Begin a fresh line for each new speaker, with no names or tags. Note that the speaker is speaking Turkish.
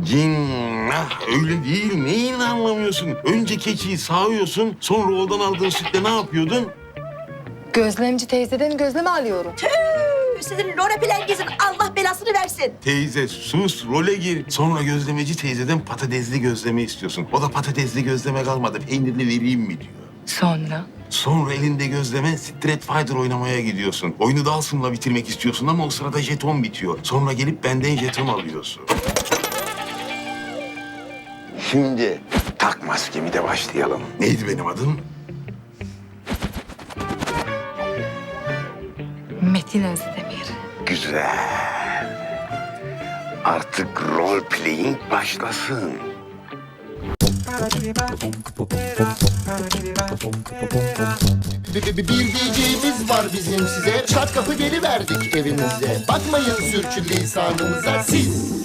Cinnah öyle değil. Neyini anlamıyorsun? Önce keçiyi sağıyorsun, sonra oradan aldığın sütle ne yapıyordun?
Gözlemci teyzeden gözleme alıyorum.
Sizin Lora Plengiz'in Allah belasını versin.
Teyze sus, role gir. Sonra gözlemeci teyzeden patatesli gözleme istiyorsun. O da patatesli gözleme kalmadı, peynirli vereyim mi diyor.
Sonra
Elinde gözleme Street Fighter oynamaya gidiyorsun. Oyunu da Asım'la bitirmek istiyorsun ama o sırada jeton bitiyor. Sonra gelip benden jeton alıyorsun. Şimdi tak maskemi de başlayalım. Neydi benim adım?
Metin Özdemir.
Güzel. Artık role playing başlasın.
Bir diyeceğimiz var bizim size. Çat kapı geliverdik evinize. Bakmayın sürçülisanımıza siz.